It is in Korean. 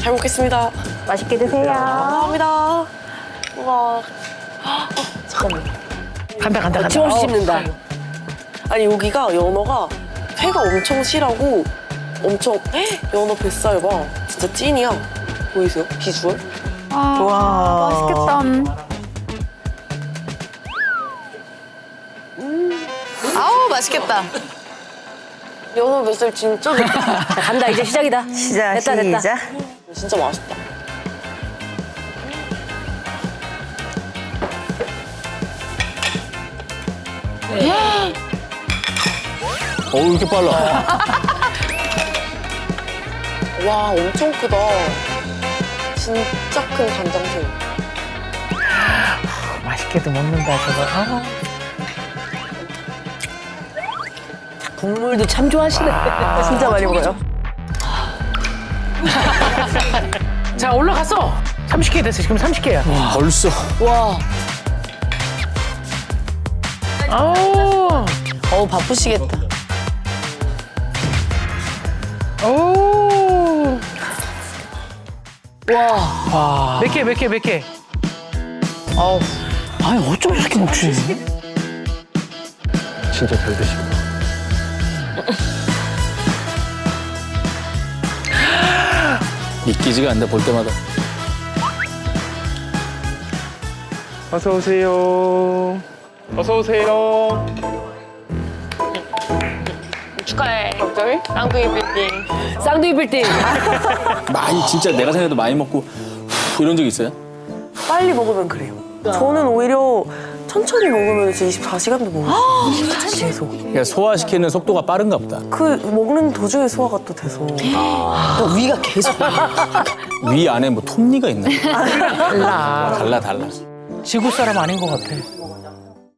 잘 먹겠습니다. 맛있게 드세요. 감사합니다. 우와. 잠깐만. 간다. 어김없이 씹는다. 아니 여기가 연어가 회가 엄청 실하고 엄청 연어 뱃살 봐. 진짜 찐이야. 보이세요? 비주얼? 와, 맛있겠다. 아우 맛있겠다. 연어 뱃살 진짜 좋다. 간다, 이제 시작이다. 시작, 됐다. 시작. 진짜 맛있다. 어우, 이렇게 빨라. 와 엄청 크다. 진짜 큰 간장새우. 맛있게도 먹는다, 저거. 아. 국물도 참 좋아하시네. 진짜 많이 먹어요. 자, 올라갔어. 30개 됐어. 지금 30개야. 벌써. 와. 아우. 바쁘시겠다. 오. 와. 몇 개? 아우. 아니, 어쩜 저렇게 먹지? 진짜 잘 드시고. 믿기지가 않는다, 볼 때마다. 어서 오세요. 어서 오세요. 축하해. 갑자기? 쌍둥이 빌딩. 쌍둥이 빌딩. 많이, 진짜 내가 생각해도 많이 먹고, 후, 이런 적 있어요? 빨리 먹으면 그래요. 저는 오히려 천천히 먹으면 진짜 24시간도 먹을 수 있어요. 계속. 그러니까 소화시키는 속도가 빠른가 보다. 그 먹는 도중에 소화가 또 돼서. 위가 계속. 위 안에 뭐 톱니가 있나? 달라. 달라. 지구 사람 아닌 것 같아.